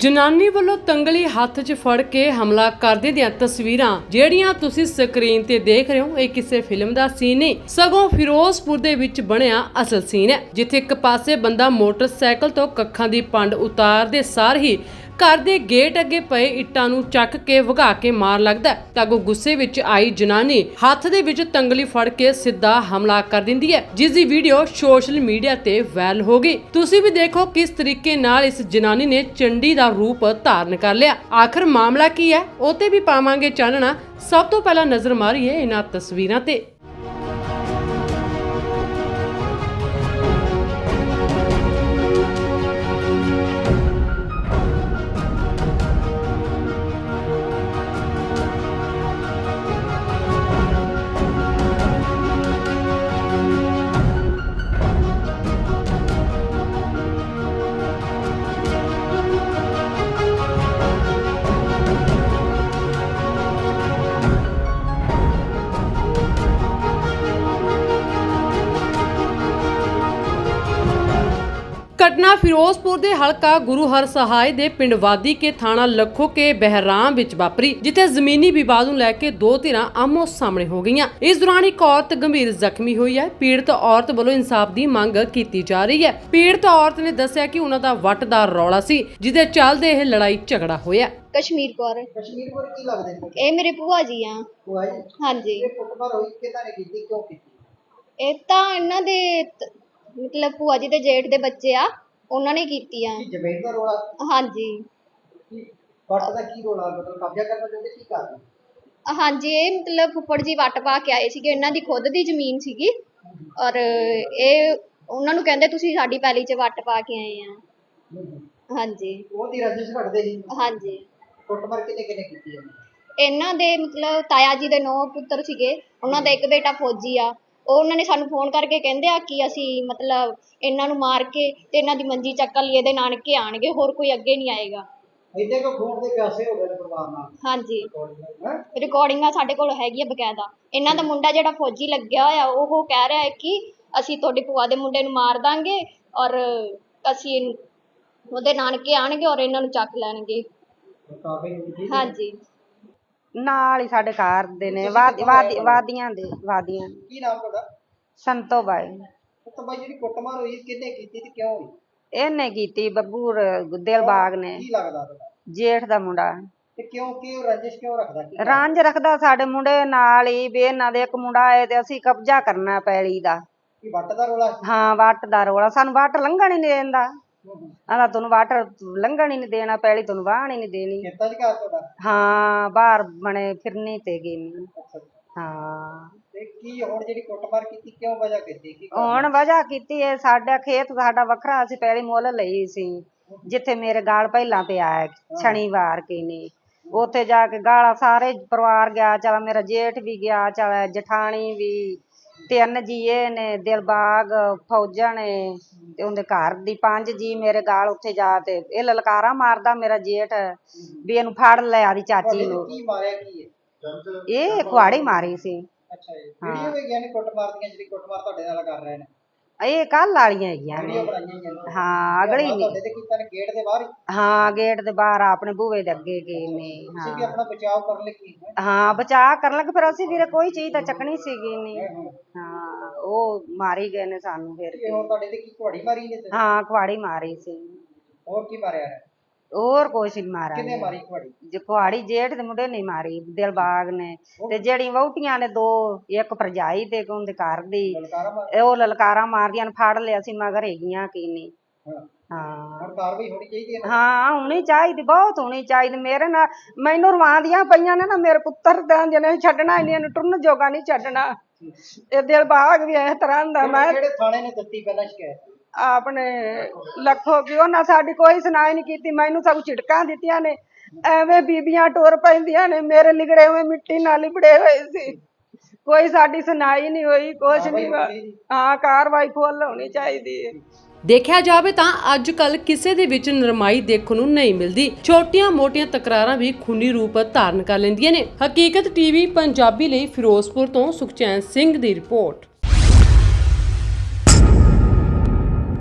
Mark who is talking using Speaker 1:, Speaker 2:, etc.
Speaker 1: ਜਨਾਨੀ ਵੱਲੋਂ ਤੰਗਲੀ ਹੱਥ 'ਚ ਫੜ ਕੇ ਹਮਲਾ ਕਰਦੇ ਦੀਆਂ ਤਸਵੀਰਾਂ ਜਿਹੜੀਆਂ ਤੁਸੀਂ ਸਕਰੀਨ ਤੇ ਦੇਖ ਰਹੇ ਹੋ, ਇਹ ਕਿਸੇ ਫਿਲਮ ਦਾ ਸੀਨ ਨਹੀਂ ਸਗੋਂ ਫਿਰੋਜ਼ਪੁਰ ਦੇ ਵਿੱਚ ਬਣਿਆ ਅਸਲ ਸੀਨ ਹੈ, ਜਿੱਥੇ ਇੱਕ ਪਾਸੇ ਬੰਦਾ ਮੋਟਰਸਾਈਕਲ ਤੋਂ ਕੱਖਾਂ ਦੀ ਪੰਡ ਉਤਾਰਦੇ ਸਾਰ ਹੀ ਘਰ ਦੇ ਗੇਟ ਅੱਗੇ ਪਏ ਇੱਟਾਂ ਨੂੰ ਚੱਕ ਕੇ ਵਗਾ ਕੇ ਮਾਰ ਲੱਗਦਾ ਤਾਂ ਅੱਗੋਂ ਗੁੱਸੇ ਵਿੱਚ ਆਈ ਜਨਾਨੀ ਹੱਥ ਦੇ ਵਿੱਚ ਤੰਗਲੀ ਫੜ ਕੇ ਸਿੱਧਾ ਹਮਲਾ ਕਰ ਦਿੰਦੀ ਹੈ, ਜਿਸ ਦੀ ਵੀਡੀਓ ਸੋਸ਼ਲ ਮੀਡੀਆ ਤੇ ਵਾਇਰਲ ਹੋ ਗਈ। ਤੁਸੀਂ ਵੀ ਦੇਖੋ ਕਿਸ ਤਰੀਕੇ ਨਾਲ ਇਸ ਜਨਾਨੀ ਨੇ ਚੰਡੀ ਦਾ ਰੂਪ ਧਾਰਨ ਕਰ ਲਿਆ। ਆਖਰ ਮਾਮਲਾ ਕੀ ਹੈ ਉਹ ਤੇ ਵੀ ਪਾਵਾਂਗੇ ਚਾਨਣਾ। ਸਭ ਤੋਂ ਪਹਿਲਾਂ ਨਜ਼ਰ ਮਾਰੀਏ ਇਹਨਾਂ ਤਸਵੀਰਾਂ ਤੇ। घटना फिरोजपुर के हलका गुरु हर सहाय के पिंड वादी के थाना लखो के बहराम विच वापरी, जिथे जमीनी विवाद नूं लैके दो धिरां आमो सामने हो गईयां। इस दौरान एक औरत गंभीर जख्मी हुई है। पीड़ित औरत वालों इंसाफ की मांग की जा रही है। पीड़ित औरत ने दस्सिया कि उन्हां दा वट दा रौला सी, जिहदे चलदे इह लड़ाई झगड़ा होया।
Speaker 2: कश्मीर कौर की लगदे ने? ए मेरे भूआ जी आ। भूआ जी? हां जी। ये कुटमार होई किदां ने कीती, क्यों कीती? ਇਹ ਤਾਂ ਇਹਨਾਂ ਦੇ ਮਤਲਬ ਭੂਆ ਜੀ ਦੇ ਜੇਠ ਦੇ ਬੱਚੇ ਆ, ਉਹਨਾਂ ਨੇ ਕੀਤੀ ਆ। ਕੀ ਜ਼ਮੀਨ ਦਾ ਰੋਲਾ? ਹਾਂਜੀ। ਵੱਟ ਦਾ ਕੀ ਰੋਲਾ, ਮਤਲਬ ਕਬਜ਼ਾ ਕਰਨਾ ਚਾਹੁੰਦੇ, ਕੀ ਕਰਦੇ? ਹਾਂਜੀ, ਇਹ ਮਤਲਬ ਫੁੱਫੜ ਜੀ ਵੱਟ ਪਾ ਕੇ ਆਏ ਸੀਗੇ, ਇਹਨਾਂ ਦੀ ਖੁਦ ਦੀ ਜ਼ਮੀਨ ਸੀਗੀ ਔਰ ਇਹ ਉਹਨਾਂ ਨੂੰ ਕਹਿੰਦੇ ਤੁਸੀਂ ਸਾਡੀ ਪੈਲੀ 'ਚ ਵੱਟ ਪਾ ਕੇ ਆਏ ਆ। ਹਾਂਜੀ। ਉਹ ਦੀ ਰੰਜਿਸ਼ ਘਟਦੇ ਸੀ? ਹਾਂਜੀ। ਕੁੱਟਮਾਰ ਕਿੰਨੇ ਕੀਤੀ ਇਹਨਾਂ ਦੇ ਮਤਲਬ ਤਾਇਆ ਜੀ ਦੇ 9 ਪੁੱਤਰ ਸੀਗੇ, ਉਹਨਾਂ ਦਾ ਇੱਕ ਬੇਟਾ ਫੌਜੀ ਆ। ਉਹ ਉਹਨਾਂ ਨੇ ਸਾਨੂੰ ਫੋਨ ਕਰਕੇ ਕਹਿੰਦੇ ਆ ਕਿ ਅਸੀਂ ਮਤਲਬ ਇਹਨਾਂ ਨੂੰ ਮਾਰ ਕੇ ਤੇ ਇਹਨਾਂ ਦੀ ਮੰਜੀ ਚੱਕਣ ਲਈ ਇਹਦੇ ਨਾਨਕੇ ਆਣਗੇ, ਹੋਰ ਕੋਈ ਅੱਗੇ ਨਹੀਂ ਆਏਗਾ। ਇੱਥੇ ਕੋ ਖੂਨ ਦੇ ਪਿਆਸੇ ਹੋ ਗਏ ਨੇ ਪਰਿਵਾਰ ਨਾਲ? ਹਾਂਜੀ, ਰਿਕਾਰਡਿੰਗਾਂ ਸਾਡੇ ਕੋਲ ਹੈਗੀ ਆ ਬਕਾਇਦਾ। ਇਹਨਾਂ ਦਾ ਮੁੰਡਾ ਜਿਹੜਾ ਫੌਜੀ ਲੱਗਿਆ ਹੋਇਆ ਉਹ ਕਹਿ ਰਿਹਾ ਹੈ ਕਿ ਅਸੀਂ ਤੁਹਾਡੀ ਭੂਆ ਦੇ ਮੁੰਡੇ ਨੂੰ ਮਾਰ ਦਾਂਗੇ ਔਰ ਅਸੀਂ ਉਹਦੇ ਨਾਨਕੇ ਆਣਗੇ ਔਰ ਇਹਨਾਂ ਨੂੰ ਚੱਕ ਲੈਣਗੇ। ਹਾਂਜੀ,
Speaker 3: ਨਾਲ ਹੀ ਸਾਡੇ ਘਰ ਦੇ ਨੇ ਵਾਦੀਆਂ ਦੇ।
Speaker 2: ਕੀ ਨਾਮ ਤੁਹਾਡਾ?
Speaker 3: ਸੰਤੋ ਬਾਈ।
Speaker 2: ਸੰਤੋ ਬਾਈ, ਜਿਹੜੀ ਕੁੱਟਮਾਰ ਹੋਈ ਕਿਹਨੇ ਕੀਤੀ ਤੇ ਕਿਉਂ ਹੋਈ?
Speaker 3: ਇਹਨੇ ਕੀਤੀ ਬੱਬੂ ਦਿਲਬਾਗ ਨੇ।
Speaker 2: ਕੀ ਲੱਗਦਾ ਤੁਹਾਡਾ?
Speaker 3: ਜੇਠ ਦਾ ਮੁੰਡਾ।
Speaker 2: ਤੇ ਕਿਉਂ ਰੰਜਿਸ਼ ਕਿਉਂ ਰੱਖਦਾ?
Speaker 3: ਰੰਜ ਰੱਖਦਾ ਸਾਡੇ ਮੁੰਡੇ ਨਾਲ ਹੀ ਵੀ ਇਹਨਾਂ ਦੇ ਇੱਕ ਮੁੰਡਾ ਆਏ ਤੇ ਅਸੀਂ ਕਬਜ਼ਾ ਕਰਨਾ ਪੈਲੀ ਦਾ।
Speaker 2: ਕੀ ਵੱਟ ਦਾ ਰੋਲਾ? ਹਾਂ,
Speaker 3: ਵੱਟ ਦਾ ਰੋਲਾ। ਸਾਨੂੰ ਵੱਟ ਲੰਘਣ ਹੀ ਨਹੀਂ ਦਿੰਦਾ। ਆਂਦਾ ਤੁਹਾਨੂੰ ਵੱਟ ਲੰਘਣ ਹੀ ਨਹੀਂ ਦੇਣਾ, ਪੈਲੀ ਤੁਹਾਨੂੰ ਵਾਹਣ ਹੀ ਨਹੀਂ ਦੇਣੀ।
Speaker 2: ਖੇਤਾਂ 'ਚ ਘਰ ਤੁਹਾਡਾ?
Speaker 3: ਹਾਂ, ਬਾਹਰ ਬਣੇ ਫਿਰਨੀ ਤੇ ਗਈ। ਹਾਂ।
Speaker 2: ਤੇ ਕੀ ਹੁਣ ਜਿਹੜੀ ਕੁੱਟਮਾਰ ਕੀਤੀ ਕਿਉਂ ਵਜ੍ਹਾ ਕੀਤੀ?
Speaker 3: ਹੁਣ ਵਜ੍ਹਾ ਕੀਤੀ ਹੈ ਸਾਡਾ ਖੇਤ ਸਾਡਾ ਵੱਖਰਾ, ਅਸੀਂ ਪਹਿਲੀ ਮੁੱਲ ਲਈ ਸੀ ਜਿੱਥੇ ਮੇਰੇ ਗਾਲ ਪਹਿਲਾਂ ਪਿਆ ਸ਼ਨੀਵਾਰ ਕੀ ਨੇ, ਉੱਥੇ ਜਾ ਕੇ ਗਾਲਾਂ ਸਾਰੇ ਪਰਿਵਾਰ ਗਿਆ। ਚਲ ਮੇਰਾ ਜੇਠ ਵੀ ਗਿਆ, ਚਲ ਜਠਾਣੀ ਵੀ, 3 ਜੀਏ ਨੇ, ਦਿਲਬਾਗ, ਫੌਜਣ ਨੇ ਤੇ ਉਹਦੇ ਘਰ ਦੀ 5 ਜੀ ਮੇਰੇ ਗਾਲ ਉੱਥੇ ਜਾ ਤੇ ਇਹ ਲਲਕਾਰਾ ਮਾਰਦਾ ਮੇਰਾ ਜੇਠ ਵੀ ਇਹਨੂੰ ਫੜ ਲੈ ਆਦੀ ਚਾਚੀ ਨੂੰ।
Speaker 2: ਕੀ ਮਾਰਿਆ ਕੀ ਹੈ?
Speaker 3: ਇਹ ਕੁਹਾੜੀ ਮਾਰੀ ਸੀ।
Speaker 2: ਅੱਛਾ ਜੀ। ਵੀਡੀਓ ਵੀ ਗਿਆ ਨੇ ਕੁੱਟਮਾਰ ਦੀਆਂ, ਜਿਹੜੀ ਕੁੱਟਮਾਰ ਤੁਹਾਡੇ ਨਾਲ ਕਰ ਰਹੇ ਨੇ?
Speaker 3: ਇਹ ਕੱਲ ਵਾਲੀਆਂ ਹੈਗੀਆਂ ਨੇ। ਹਾਂ, ਅਗਲੀ ਨਹੀਂ।
Speaker 2: ਤੁਹਾਡੇ ਤੇ ਕੀਤਾ ਨੇ ਗੇਟ ਦੇ ਬਾਹਰ ਹੀ?
Speaker 3: ਹਾਂ, ਗੇਟ ਦੇ ਬਾਹਰ ਆਪਣੇ ਬੂਹੇ ਦੇ ਅੱਗੇ ਗਏ ਨੇ।
Speaker 2: ਤੁਸੀਂ ਵੀ ਆਪਣਾ ਬਚਾਅ ਕਰਨ ਲੱਗੀ?
Speaker 3: ਹਾਂ, ਬਚਾਅ ਕਰਨ ਲੱਗੇ, ਫਿਰ ਅਸੀਂ ਵੀਰੇ ਕੋਈ ਚੀਜ਼ ਤਾਂ ਚੱਕਣੀ ਸੀਗੀ ਨਹੀਂ। ਹਾਂ, ਉਹ ਮਾਰੀ ਗਏ ਨੇ ਸਾਨੂੰ। ਫਿਰ
Speaker 2: ਹੁਣ ਤੁਹਾਡੇ ਤੇ ਕੀ ਕੁਹਾੜੀ ਮਾਰੀ ਨੇ?
Speaker 3: ਹਾਂ, ਕੁਹਾੜੀ ਮਾਰੀ ਸੀ।
Speaker 2: ਹੋਰ ਕੀ ਮਾਰਿਆ ਹੈ?
Speaker 3: ਹੋਰ ਕੁਛ ਨਹੀਂ ਮਾਰਿਆ।
Speaker 2: ਕਿਹਨੇ ਮਾਰੀ ਕੁਹਾੜੀ?
Speaker 3: ਕੁਹਾੜੀ ਜੇਠ ਦੇ ਮੁੰਡੇ ਨੇ ਮਾਰੀ, ਦਿਲਬਾਗ ਨੇ। ਤੇ ਜਿਹੜੀ ਵਹੁਟੀਆਂ ਨੇ 2, ਇੱਕ ਭਰਜਾਈ ਤੇ ਉਹਦੇ ਘਰ ਦੀ, ਉਹ ਲਲਕਾਰਾ ਮਾਰਦੀਆਂ ਨੇ। ਫੜ ਲਿਆ ਸੀ ਮਗਰ ਹੈਗੀਆਂ ਕੀ ਨਹੀਂ। ਹਾਂ,
Speaker 2: ਹੁਣ ਕਾਰਵਾਈ ਹੋਣੀ ਚਾਹੀਦੀ ਹੈ।
Speaker 3: ਹਾਂ, ਹੋਣੀ ਚਾਹੀਦੀ, ਬਹੁਤ ਹੋਣੀ ਚਾਹੀਦੀ। ਮੇਰੇ ਨਾਲ ਮੈਨੂੰ ਰਵਾਂਦੀਆਂ ਪਈਆਂ ਨੇ ਨਾ, ਮੇਰੇ ਪੁੱਤਰ ਦਾ ਜਿਹਨੇ ਛੱਡਣਾ ਇਹਨਾਂ ਨੂੰ ਟੁਰਨ ਜੋਗਾ ਨਹੀਂ ਛੱਡਣਾ। ਇਹ ਦਿਲਬਾਗ ਵੀ ਇਸ ਤਰ੍ਹਾਂ ਦਾ। ਮੈਂ
Speaker 2: ਕਿਹੜੇ ਥਾਣੇ ਨੇ ਦਿੱਤੀ ਪਹਿਲਾਂ ਸ਼ਿਕਾਇਤ?
Speaker 3: ਆਪਣੇ ਲੱਖੋ ਕਿ ਉਹਨਾਂ ਸਾਡੀ ਕੋਈ ਸੁਣਾਈ ਨਹੀਂ ਕੀਤੀ। ਮੈਨੂੰ ਸਭ ਝਿੜਕਾਂ ਦਿੱਤੀਆਂ ਨੇ, ਐਵੇਂ ਬੀਬੀਆਂ ਟੁਰ ਪੈਂਦੀਆਂ ਨੇ। ਮੇਰੇ ਲਿਗੜੇ ਹੋਏ ਮਿੱਟੀ ਨਾਲ ਲਿਬੜੇ ਹੋਏ ਸੀ, ਕੋਈ ਸਾਡੀ ਸੁਣਾਈ ਨਹੀਂ ਹੋਈ, ਕੁਛ ਨਹੀਂ। ਹਾਂ, ਕਾਰਵਾਈ ਫੁੱਲ ਹੋਣੀ ਚਾਹੀਦੀ ਹੈ।
Speaker 1: ਦੇਖਿਆ ਜਾਵੇ ਤਾਂ ਅੱਜ ਕੱਲ ਕਿਸੇ ਦੇ ਵਿੱਚ ਨਰਮਾਈ ਦੇਖਣ ਨੂੰ ਨਹੀਂ ਮਿਲਦੀ। ਛੋਟੀਆਂ ਮੋਟੀਆਂ ਤਕਰਾਰਾਂ ਵੀ ਖੂਨੀ ਰੂਪ ਧਾਰਨ ਕਰ ਲੈਂਦੀਆਂ ਨੇ। ਹਕੀਕਤ ਟੀਵੀ ਪੰਜਾਬੀ ਲਈ ਫਿਰੋਜ਼ਪੁਰ ਤੋਂ ਸੁਖਚੈਨ ਸਿੰਘ ਦੀ ਰਿਪੋਰਟ।